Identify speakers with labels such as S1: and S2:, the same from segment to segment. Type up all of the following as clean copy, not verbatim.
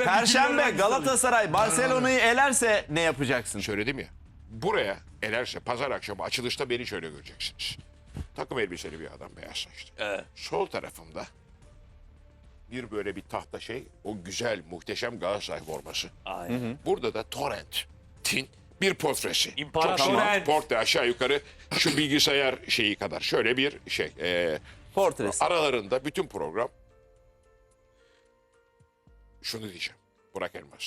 S1: Perşembe Galatasaray Barcelona'yı elerse ne yapacaksın?
S2: Söyledim ya. Buraya elerse pazar akşamı açılışta beni şöyle göreceksiniz. Takım elbiseli bir adam, beyaz saçlı.
S3: Evet.
S2: Sol tarafımda bir böyle bir tahta şey, o güzel muhteşem Galatasaray forması.
S3: Aynen.
S2: Burada da Torrent'in bir portresi.
S3: İmparator
S2: Tamam,
S3: Torrent.
S2: portre aşağı yukarı şu bilgisayar şeyi kadar. Şöyle bir şey.
S1: Portresi.
S2: Aralarında bütün program şunu diyeceğim. Burak Elmas.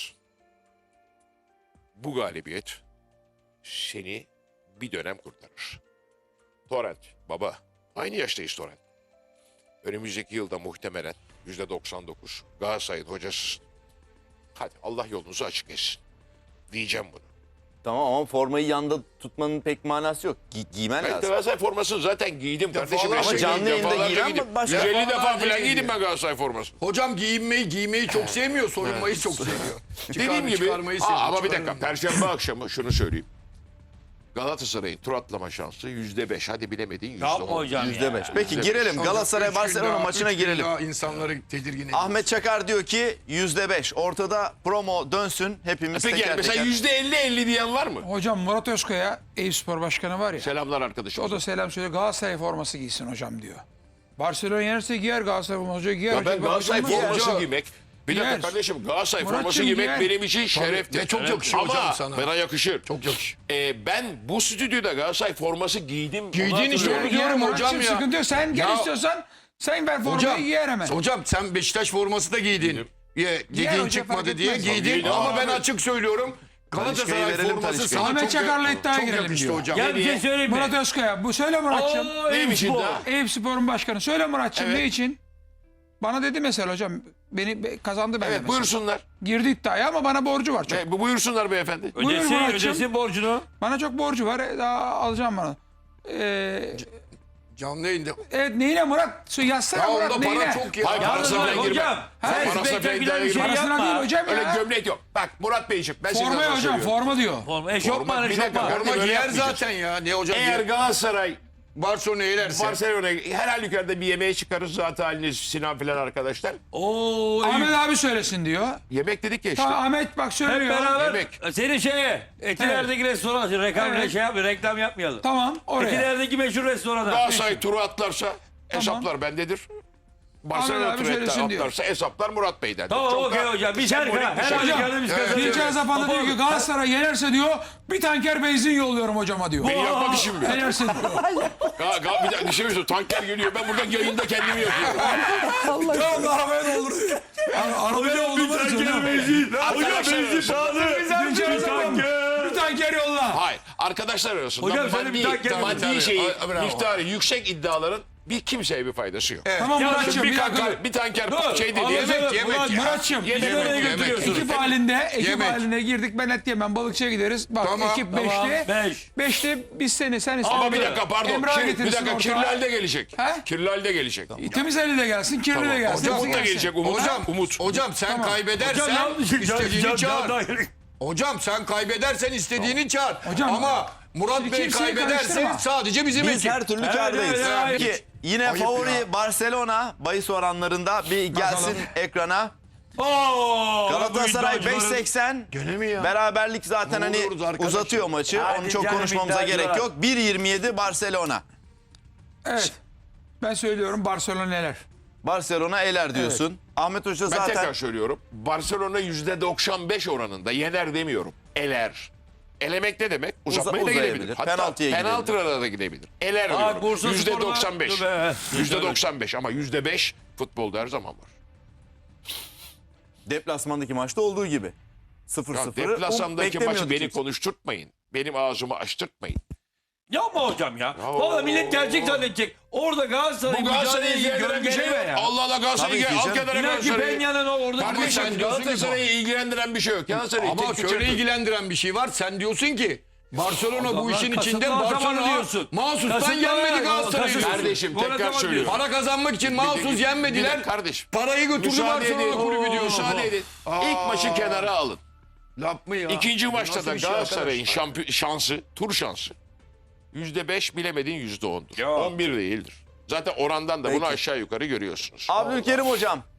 S2: Bu galibiyet seni bir dönem kurtarır. Torrent baba. Aynı yaştayız Torrent. Önümüzdeki yılda muhtemelen %99 Galatasaray'ın hocasısın. Hadi Allah yolunuzu açık etsin. Diyeceğim bunu.
S1: Tamam ama formayı yanda tutmanın pek manası yok. Giymen
S2: Ben
S1: lazım.
S2: Galatasaray formasını zaten giydim kardeşim.
S4: Ama
S1: canlı yayında
S2: Defalarca
S1: giyen
S2: giydim.
S1: başka-
S2: 150 defa
S4: Defalarca
S2: falan giydim
S4: giyiyor.
S2: ben Galatasaray formasını.
S4: Hocam giymeyi çok sevmiyor, soyunmayı çok seviyor.
S2: Dediğim gibi
S4: Çıkarmayı seviyor.
S2: ama bir dakika
S4: çıkarmayı.
S2: Perşembe akşamı şunu söyleyeyim. Galatasaray'ın tur atlama şansı %5. Hadi bilemedin
S3: Yapma
S2: %10.
S3: hocam
S1: %5.
S3: ya.
S1: Peki
S2: %5.
S1: girelim
S4: Hocam,
S1: Galatasaray
S4: üç gün
S1: Barcelona
S4: daha-
S1: maçına
S4: üç gün
S1: girelim.
S4: daha insanları tedirgin ediyor.
S1: Ahmet Çakar diyor ki %5. Ortada promo dönsün. Hepimiz
S2: Peki
S1: teker
S2: mesela
S1: teker.
S2: %50-50 diyen var mı?
S5: Hocam Murat Özkaya Eyüpspor Başkanı var ya.
S2: Selamlar arkadaşım.
S5: O da selam söylüyor. Galatasaray forması giysin hocam diyor. Barcelona yenerse giyer Galatasaray forması giyer.
S2: Ya
S5: hocam.
S2: ben Galatasaray
S5: Hocam,
S2: forması
S4: Hoca-
S2: giymek, bir dakika
S5: Giyer.
S2: kardeşim Galatasaray
S5: Muratçım
S2: forması giymek
S5: giyer.
S2: benim için şereftir.
S4: ve çok yakışıyor
S2: Ama
S4: hocam sana.
S2: bana yakışır.
S4: Çok yakışıyor.
S2: Ben bu stüdyoda Galatasaray forması giydim.
S4: Giydin
S2: Onu
S4: işte,
S2: hatırlıyorum.
S4: onu diyorum
S5: giyer
S4: hocam
S5: Muratçım,
S4: ya.
S5: Sıkıntı yok. Sen gel
S4: Ya-
S5: istiyorsan sen ver formayı giyer hemen.
S4: Hocam sen Beşiktaş forması da giydin. Dediğin
S5: hocam,
S4: çıkmadı
S5: fark
S4: diye
S5: etmez.
S4: giydin
S2: Giydim
S4: ama
S2: abi.
S4: ben açık söylüyorum. Galatasaray
S1: verelim,
S4: forması
S1: Talisca'yı.
S4: sana
S5: Ahmet Çakar'la iddiaya
S4: çok
S5: girelim
S4: yakıştı
S5: diyor.
S4: hocam.
S3: Ya bir şey söyleyeyim mi?
S5: Murat Özkaya. Bu söyle Muratçım.
S2: Neymiş iddia?
S5: Eyüpspor'un başkanı. Söyle Muratçım
S2: Evet.
S5: ne için? Bana dedi mesela hocam. Kazandı benden
S2: Evet
S5: mesela.
S2: buyursunlar.
S5: Girdi iddiaya ama bana borcu var çok.
S2: Buyursunlar beyefendi.
S5: Buyur Muratçım.
S3: Ödesin borcunu.
S5: Bana çok borcu var. Daha alacağım bana.
S4: Canlı yayında.
S5: Evet neyine Murat? Yazsana
S4: Ya
S5: Murat
S4: onda
S5: neyine?
S4: para çok ya.
S2: Hayır,
S3: Yalnız
S2: parasına
S3: bak
S2: falan girme.
S3: hocam. Sen
S2: Parasına falan
S3: spektaküler bir şey
S2: girme.
S5: Parasına değil
S3: yapma.
S5: hocam
S2: Öyle
S5: ya.
S2: gömlek yok. Bak Murat Beyciğim ben size
S5: Formayı
S2: nasıl
S5: hocam
S2: söylüyorum.
S5: forma diyor.
S3: Forma, eşofman,
S2: Bir dakika,
S3: eşofman.
S2: forma-
S4: Forma
S2: böyle
S4: giyer
S2: yapmayacağız.
S4: zaten ya. Ne hocam?
S2: Eğer Galatasaray
S4: Barcelona eğlerse.
S2: Barcelona'ya her halükarda bir yemeğe çıkarız zaten haliniz Sinan filan arkadaşlar.
S3: Oo,
S5: Ahmet abi söylesin diyor.
S2: Yemek dedik ya işte.
S5: Tamam Ahmet bak
S3: hep
S5: söylüyor.
S3: beraber
S2: Yemek.
S3: senin şeye Etiler'deki restoran reklam
S5: Evet.
S3: şey yapmayalım, reklam yapmayalım.
S5: Tamam oraya.
S3: Etiler'deki meşhur restorana.
S2: Galatasaray turu atlarsa hesaplar bendedir. Barcelona
S5: abi
S2: turu
S5: söylesin diyor.
S2: atlarsa hesaplar Murat Bey'den.
S3: Tamam okey hocam. Biz her
S2: sembolik bir şey.
S3: halükarda biz kazanıyoruz.
S5: Dilker Zapan'da diyor ki Galatasaray yenerse diyor bir tanker benzin yolluyorum hocama diyor.
S2: Beni yapmak işim mi?
S5: Yenerse diyor.
S2: Bir dakika bir şey söyleyeyim. Tanker geliyor. Ben burada yayında kendimi yapıyorum.
S5: Tamam arabaya doldur. Arabaya doldur.
S3: Tanker benzin. Hocam benzin pahalı.
S5: Dilker Zapan bir tanker yolla.
S2: Hayır. Arkadaşlar arasında
S3: Hocam sen bir tanker-
S2: maddi şeyi,
S4: Bravo.
S2: miktarı yüksek iddiaların bir kimseye bir faydası yok.
S5: Tamam
S3: Ya
S5: Muratçım
S3: şimdi
S5: bir dakika.
S2: Bir tanker
S3: Dur.
S2: şey dedi.
S3: Ama
S2: Yemek
S3: sen-
S4: yemek
S3: Murat-
S4: ya.
S5: Muratçım
S3: Bizi
S2: Yemek,
S3: nereye
S2: yemek.
S3: götürüyorsunuz?
S5: ekip
S4: Yemek.
S5: halinde girdik ben et yemem balıkçıya gideriz. Bak
S4: Tamam,
S5: ekip
S3: tamam,
S5: beşli.
S3: beş.
S5: Beşli biz sen istedin.
S2: Ama bir dakika pardon.
S5: Emrah
S2: Bir
S5: getirsin
S2: dakika
S5: ortağa.
S2: Kirlal de gelecek.
S5: He?
S2: Kirlal de gelecek.
S5: Temiz eli de gelsin, kirli de gelsin.
S4: Hocam,
S5: hepsi
S2: Umut da
S5: gelsin.
S2: gelecek. Umut.
S4: Hocam, hocam sen kaybedersen
S3: Hocam yanlış.
S4: istediğini çağır.
S3: Can-
S4: Hocam sen kaybedersen istediğini çağır.
S5: Hocam,
S4: ama Murat
S5: şimdi
S4: Bey
S5: kimseyi
S4: kaybederse
S5: karıştırma.
S4: sadece bizim
S1: Biz
S4: ekip.
S1: her türlü
S3: Evet,
S1: kârdayız.
S3: evet, evet.
S1: Peki yine
S4: Ayıp
S1: favori
S4: ya.
S1: Barcelona bahis oranlarında bir gelsin ekrana.
S3: Oo,
S1: Galatasaray
S3: bu iddiacıların-
S1: 5.80.
S4: Gene mi ya?
S1: Beraberlik zaten
S4: Ne
S1: hani
S4: oluyoruz arkadaş
S1: uzatıyor
S4: ya?
S1: maçı.
S3: Hadi
S1: Onu çok
S3: canım,
S1: konuşmamıza
S3: iddiacılar.
S1: gerek yok. 1.27 Barcelona.
S5: Evet. Ben söylüyorum Barcelona neler.
S1: Barcelona eler diyorsun. Ahmet Hoca
S2: Ben
S1: zaten
S2: tekrar söylüyorum. Barcelona %95 oranında yener demiyorum. Eler. Elemek ne demek? Uzatmaya da
S1: uzayabilir.
S2: gidebilir. Hatta
S1: Penaltıya
S2: penaltılara da gidebilir. Eler
S3: Aa,
S2: diyorum.
S3: Bursa
S2: %95.
S3: Spor'da- Dur be.
S2: %95 ama %5 futbolda her zaman var.
S1: deplasmandaki maçta olduğu gibi. 0-0'ı
S2: Deplasandaki maçı
S1: beklemiyorduk
S2: beni
S1: kimse.
S2: konuşturtmayın. Benim ağzımı açtırtmayın.
S3: Yapma hocam ya. Valla millet gelecek zannedecek. Orada Galatasaray
S2: Bu Galatasaray'ı
S3: mücadelesi
S2: ilgilendiren bir şey yok.
S3: gölgeleme ya.
S2: Allah Allah Galatasaray'ı
S1: Tabii ki
S2: al
S1: canım.
S2: kenara
S3: İnan ki
S2: Galatasaray'ı.
S3: Peña'nın orada
S4: Kardeşim,
S3: konuşan
S4: sen diyorsun ki
S2: Galatasaray'ı ilgilendiren bir şey yok. Galatasaray'ı
S4: Ama
S2: tek
S4: şöyle ilgilendiren bir şey var. Sen diyorsun ki Barcelona bu
S3: Adamlar
S4: işin içinde
S3: kasıtlı zamanı
S4: Barcelona
S3: diyorsun.
S4: mahsustan
S3: Kasıtlı
S4: yenmedi
S3: zamanı-
S4: Galatasaray'ı.
S3: kasıtlı.
S2: Kardeşim,
S3: Gol
S2: tekrar
S3: atamadı
S2: söylüyorum.
S3: diyorsun.
S4: Para kazanmak için mahsus yenmediler.
S2: Bir de kardeşim.
S4: Parayı götürdü
S2: Müsaade edin.
S4: Barcelona kulübü diyorsun.
S2: Müsaade edin. İlk maçı kenara alın.
S4: Laf mı ya?
S2: İkinci
S4: Bu
S2: maçta
S4: nasıl
S2: da
S4: bir şey
S2: Galatasaray'ın
S4: arkadaş?
S2: şansı, tur şansı %5 bilemedin %10'dur.
S3: Ya.
S2: 11 değildir. Zaten orandan da bunu
S1: Peki.
S2: aşağı yukarı görüyorsunuz.
S1: Abdülkerim hocam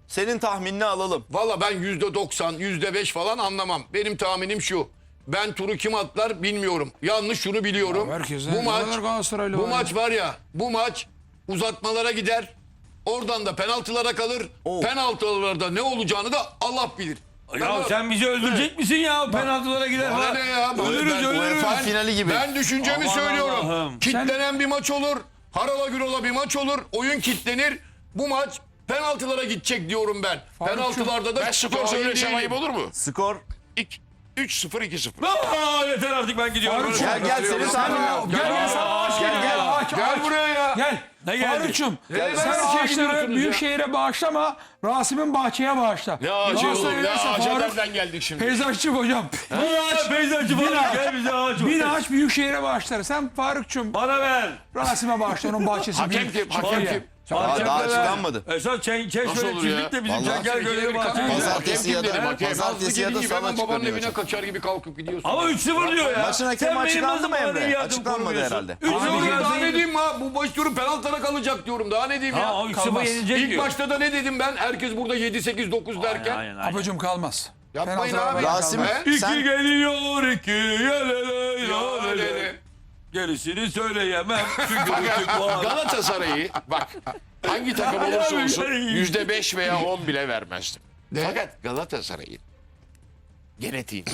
S1: senin tahminini alalım.
S4: Valla ben %90, %5 falan anlamam. Benim tahminim şu. Ben turu kim atlar bilmiyorum. Yalnız şunu biliyorum.
S5: Ya herkesten
S4: Bu maç
S5: ne kadar Galatasaraylı
S4: bu
S5: var
S4: maç var ya. Bu maç uzatmalara gider. Oradan da penaltılara kalır. Penaltılarda ne olacağını da Allah bilir.
S3: Ya sen bizi öldürecek misin ya? Penaltılara gider.
S4: Bana ne ya?
S3: Ölürüz
S4: Ben-
S3: ölürüz.
S1: UEFA finali gibi.
S4: Ben düşüncemi
S3: Aman
S4: söylüyorum.
S3: Allah'ım.
S4: Kitlenen bir maç olur. Harala gürola bir maç olur. Oyun kitlenir. Bu maç penaltılara gidecek diyorum ben. Penaltılarda da
S2: Ben skor
S4: cahil
S2: söylesem
S4: değilim.
S2: ayıp olur mu?
S1: Skor.
S2: 3-0 2-0.
S3: Aa, yeter artık ben gidiyorum.
S5: Faruk'cum,
S1: Gel senin tahminin.
S5: Gel sana ağaç
S1: Gel,
S5: gel.
S1: gel.
S5: Ağaç,
S4: Gel
S5: ağaç.
S4: buraya ya.
S5: Gel.
S3: Ne geldi?
S5: Faruk'cum
S4: Ben
S5: sen
S4: her şeye
S5: ağaçları
S4: gidiyorsunuz ya.
S5: Büyükşehir'e bağışlama. Rasim'in bahçeye bağışla.
S2: Ne ağacı
S5: Galatasaray
S2: oğlum? Ne
S5: yenerse
S2: ağaca
S5: Faruk
S2: nereden geldik şimdi?
S5: peyzajcı hocam.
S3: Peyzajcı falan gel bize ağaç.
S5: Bir ağaç Büyükşehir'e bağışlar. Sen Faruk'cum
S3: Bana ver.
S5: Rasim'e bağışla onun bahçesi.
S2: Hakem
S5: büyük.
S2: kim? Hakem
S5: Çekirge.
S2: kim?
S1: Aa, daha açıklanmadı.
S3: Esas
S2: Nasıl olur ya?
S3: çiftlik de bizim
S1: Vallahi.
S3: çengel görevi var.
S1: Pazartesi ya da pazartesi ya da
S4: Hemen
S1: salı
S4: babanın
S1: açıklanıyor
S4: evine
S1: hocam.
S4: kaçar gibi kalkıp gidiyorsun.
S3: Ama 3-0 diyor ya.
S1: Maçın hakemi
S3: Sen benim
S1: açıklandı
S3: nasıl
S1: mı
S3: bana
S1: Emre?
S3: yardım
S1: Açıklanmadı
S3: kurmuyorsun?
S1: herhalde.
S3: 3-0
S4: Daha ne
S3: ya.
S4: diyeyim ha? Bu baş turu penaltılara kalacak diyorum. Daha ne diyeyim
S3: Ha
S4: ya?
S3: o 3-0
S5: Kalmaz.
S3: yenilecek
S4: İlk
S3: diyor.
S4: başta da ne dedim ben? Herkes burada 7-8-9 derken.
S3: Aynen aynen.
S5: Apacım kalmaz.
S4: Yapmayın
S5: Penaltılara
S4: abi.
S5: bağışla.
S1: Rasim
S4: He?
S3: İki
S1: sen
S3: geliyor iki yelele
S4: Ya,
S3: yelele. Gerisini söyleyemem çünkü küçük
S2: Fakat
S3: var.
S2: Galatasaray'ı bak hangi takım olursa olsun %5 veya 10 bile vermezdim. Fakat Galatasaray'ın genetiğinde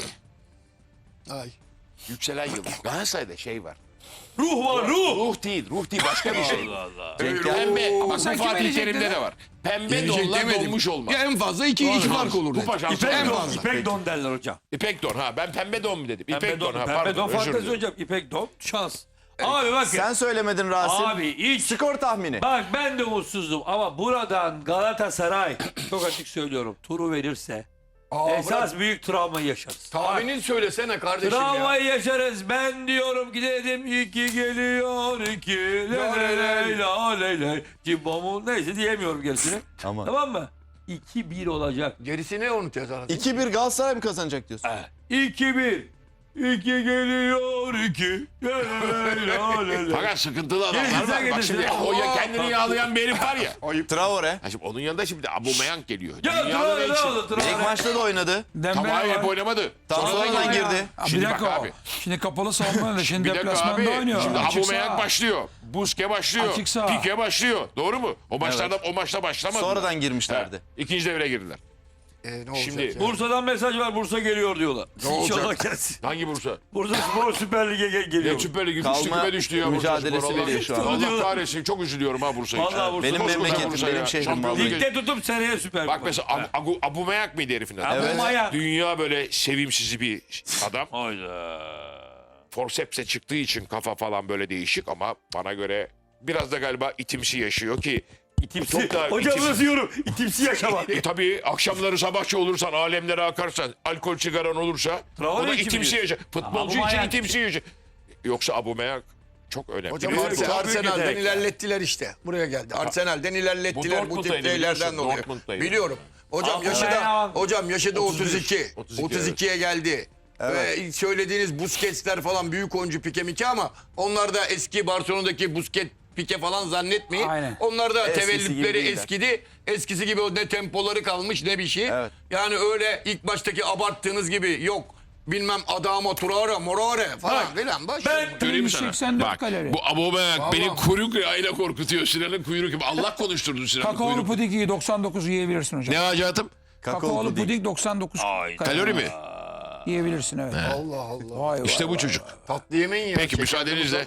S4: Ay.
S2: yükselen yıldız. Galatasaray'da şey var.
S3: Ruh var ruh.
S2: Ruh değil başka bir şey.
S3: Allah Allah.
S2: Pembe ama
S5: sen
S2: bu
S5: kime
S2: Fatih
S5: verecektin
S2: Terim'de
S5: ya?
S2: de var. Pembe
S4: Gelecek
S2: donla
S4: demedim.
S2: donmuş olmaz.
S4: Ya en fazla 2 fark olur.
S2: Kupa
S4: dedi.
S2: şansı.
S3: İpek
S4: En
S3: don,
S4: fazla.
S3: İpek don derler hocam.
S2: İpek don ha ben pembe don mu dedim? İpek
S3: Pembe
S2: don ha
S3: Pembe
S2: pardon
S3: don
S2: özür
S3: fantezi
S2: dilerim.
S3: hocam. İpek don şans. Abi bakın.
S1: sen söylemedin Rasim.
S3: Abi hiç.
S1: Skor tahmini.
S3: Bak ben de umutsuzdum ama buradan Galatasaray çok açık söylüyorum turu verirse esas büyük travmayı yaşarız.
S4: Tahminin söylesene kardeşim ya.
S3: Travmayı yaşarız. Ben diyorum ki dedim iki geliyor iki leleley laleley cimbomu neyse diyemiyorum gerisini.
S1: Ama.
S3: Tamam mı? 2-1 olacak.
S4: Gerisini unutacağız artık.
S1: 2-1 Galatasaray mı kazanacak diyorsun?
S3: 2-1. İki geliyor iki leleley laleley.
S2: Fakat sıkıntılı adamlar
S3: Gerisine
S2: var. Bak
S3: getirsin.
S2: şimdi o ya kendini yağlayan bir herif var ya.
S1: Traore.
S2: Ha şimdi onun yanında şimdi Aubameyang geliyor.
S3: Ya
S2: Dünyanın
S3: Traore
S2: en
S3: ne
S2: şey-
S3: oldu
S1: İlk
S3: Traore?
S1: maçta da oynadı.
S5: Dembele
S2: Tamam hep
S5: var.
S2: oynamadı.
S1: Tam sonradan girdi.
S5: Bir
S2: Şimdi bak
S5: dakika o.
S2: abi.
S5: Şimdi kapalı savunma da şimdi
S2: Bir dakika
S5: deplasmanda
S2: abi.
S5: oynuyor.
S2: Şimdi
S5: Açık
S2: Aubameyang
S5: saha.
S2: başlıyor. Busquets başlıyor.
S5: Açık saha.
S2: Pique başlıyor. Doğru mu? O maçta başlamadı.
S1: Sonradan girmişlerdi.
S2: İkinci devre girdiler.
S4: Ne olacak
S2: Şimdi
S4: ya?
S3: Bursa'dan mesaj var. Bursa geliyor diyorlar. İnşallah gelsin.
S2: hangi Bursa?
S3: Bursa Spor Süper Lig'e geliyor.
S2: Ne Süper Lig'in
S1: Kalma
S2: küme düştü ya.
S1: mücadelesi
S2: Bursa Spor.
S1: veriyor şu an.
S2: Allah kahretsin çok üzülüyorum ha Bursa için.
S3: Vallahi Bursa.
S1: Benim
S2: Koskoca
S1: memleketim,
S2: Bursa
S1: benim
S2: ya.
S1: şehrim
S2: Şampiyonluk
S1: vallahi.
S3: Ligde tutup seneye Süper
S2: Bak
S3: Kupa.
S2: mesela Aubameyang mıydı herifin adı?
S3: Evet. Aubameyang.
S2: Dünya böyle sevimsiz bir adam.
S3: Hayda.
S2: Forceps'e çıktığı için kafa falan böyle değişik ama bana göre biraz da galiba itimsi yaşıyor ki
S3: İtimsi.
S2: çok da
S3: Hocam
S2: itimsi.
S3: nasıl yorum? İtimsi yaşamak.
S2: Tabii akşamları sabahçı olursan, alemlere akarsan, alkol sigaran olursa
S3: Traore
S2: o da
S3: için
S2: itimsi
S3: mi?
S2: yaşar. Futbolcu için
S3: Aubameyang.
S2: itimsi yaşar. Yoksa Aubameyang çok önemli.
S4: Hocam
S2: Biliyor musun?
S4: Arsenal'den
S3: yetenek.
S4: ilerlettiler işte. Buraya geldi. Arsenal'den ilerlettiler bu tip
S2: Dortmund'daydı
S4: şeylerden
S2: biliyorsun,
S4: dolayı.
S2: Dortmund'daydı.
S4: Biliyorum. Hocam
S3: Aubameyang.
S4: yaşadı 32. 32'ye geldi.
S1: Evet.
S4: Ve söylediğiniz Busquets'ler falan büyük oyuncu Pique Mike ama onlar da eski Barcelona'daki Busquets Pique falan zannetmeyin.
S5: Aynen.
S4: Onlar da
S1: Eskisi gibi
S4: tevellütleri
S1: değiller.
S4: eskidi. Eskisi gibi o ne tempoları kalmış ne bir şey.
S1: Evet.
S4: Yani öyle ilk baştaki abarttığınız gibi yok. Bilmem Adama Traore, Morore falan filan. Boş ver.
S2: Göreyim mi sana?
S5: 184
S2: Bak
S5: kalori.
S2: bu Aubameyang
S4: Vallahi.
S2: benim kuyruk yağıyla korkutuyor. Sinan'ın kuyruk gibi. Allah konuşturdu Sinan'ın
S5: Kakaolu
S2: kuyruk.
S5: pudingi 99 yiyebilirsin hocam.
S2: Ne hayatım?
S5: Kakaolu puding 99
S2: Kalori mi?
S5: yiyebilirsin evet.
S4: Allah Allah.
S5: Vay
S2: İşte
S5: vay
S2: bu
S5: vay.
S2: çocuk.
S4: Tatlı yemeyin ya.
S2: Peki
S4: Şeker
S2: müsaadenizle.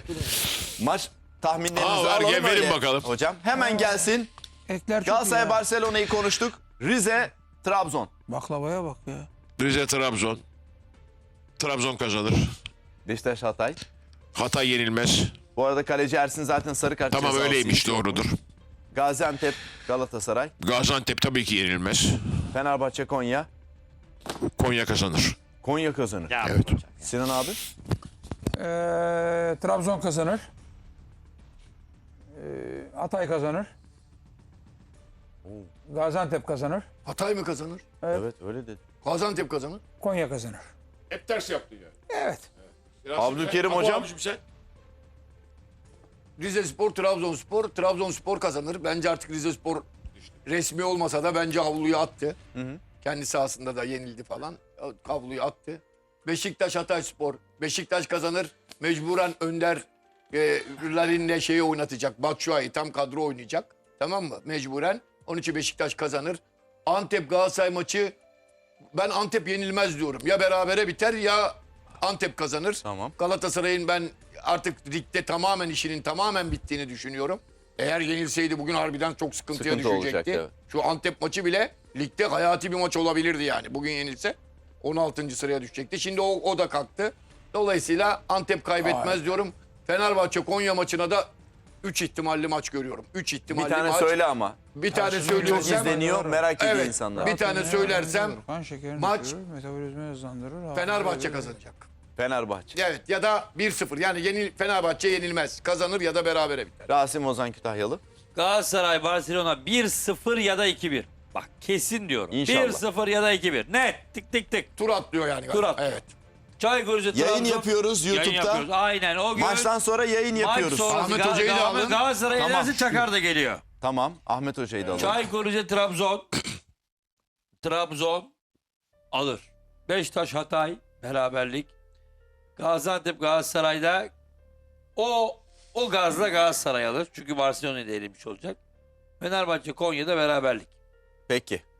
S1: Maç tahminlerinizi
S2: Aa, ver,
S1: alalım
S2: gel, verin
S1: öyle.
S2: bakalım.
S1: Hocam hemen gelsin.
S5: Ekler çok iyi
S1: Galatasaray
S5: ya.
S1: Barcelona'yı konuştuk. Rize Trabzon.
S5: Baklavaya bak ya.
S2: Rize Trabzon. Trabzon kazanır.
S1: Beşiktaş Hatay.
S2: Hatay yenilmez.
S1: Bu arada kaleci Ersin zaten sarı kart
S2: Tamam
S1: cezası
S2: öyleymiş
S1: ilk olmuş.
S2: doğrudur.
S1: Gaziantep Galatasaray.
S2: Gaziantep tabii ki yenilmez.
S1: Fenerbahçe Konya.
S2: Konya kazanır.
S1: Konya kazanır.
S2: Evet.
S1: Sinan abi.
S5: Trabzon kazanır. Hatay kazanır. Gaziantep kazanır.
S4: Hatay mı kazanır?
S1: Evet öyle dedi.
S4: Gaziantep kazanır.
S5: Konya kazanır.
S2: Hep ters yaptın ya.
S5: Evet.
S1: Abdülkerim hocam.
S4: Rize Spor, Trabzonspor. Trabzonspor kazanır. Bence artık Rize Spor resmi olmasa da bence havluyu attı. Kendi sahasında da yenildi falan. Havluyu attı. Beşiktaş Hatayspor. Beşiktaş kazanır. Mecburen Önder'lerinde şeyi oynatacak. Batshuayi tam kadro oynayacak. Tamam mı? Mecburen. Onun için Beşiktaş kazanır. Antep Galatasaray maçı, ben Antep yenilmez diyorum. Ya berabere biter ya Antep kazanır.
S1: Tamam.
S4: Galatasaray'ın ben artık ligde tamamen işinin tamamen bittiğini düşünüyorum. Eğer yenilseydi bugün harbiden çok sıkıntıya
S1: Sıkıntı
S4: düşecekti.
S1: olacaktı, evet.
S4: Şu Antep maçı bile ligde hayati bir maç olabilirdi yani. Bugün yenilse 16. sıraya düşecekti. Şimdi o da kalktı. Dolayısıyla Antep kaybetmez diyorum. Fenerbahçe Konya maçına da 3 ihtimalli maç görüyorum. 3 ihtimalli
S1: Bir tane
S4: maç.
S1: söyle ama.
S4: Bir tane
S1: Çok
S4: söylüyorsam.
S1: izleniyor, merak ediyor
S4: Evet,
S1: insanlar.
S4: bir tane söylersem
S5: kan şekerini
S4: maç
S5: düşürür, metabolizmayı hızlandırır.
S4: Fenerbahçe kazanacak.
S1: Fenerbahçe.
S4: Evet, ya da 1-0. Yani Fenerbahçe yenilmez. Kazanır ya da berabere biter.
S1: Rasim Ozan Kütahyalı.
S3: Galatasaray Barcelona 1-0 ya da 2-1. Bak kesin diyorum.
S1: İnşallah.
S3: 1-0 ya da 2-1. Net. Tık tık tık.
S4: Tur atlıyor yani.
S3: Tur atlıyor.
S4: Evet.
S3: Çaykur Rizespor.
S1: Yayın
S3: Trabzon.
S1: yapıyoruz
S3: Yayın
S1: YouTube'da.
S3: yapıyoruz. Aynen o gün.
S1: Maçtan sonra yayın yapıyoruz.
S3: Maç sonrası
S4: Ahmet Hoca'yı da alın.
S3: Galatasaray
S1: Tamam.
S3: yenerse Çakar da geliyor.
S1: Tamam. Ahmet Hoca'yı da alalım.
S3: Çaykur Rize Trabzon. Trabzon alır. Beşiktaş Hatay beraberlik. Gaziantep Galatasaray'da o gazla Galatasaray alır. Çünkü Barcelona'yı da elemiş olacak. Fenerbahçe Konya'da beraberlik.
S1: Peki.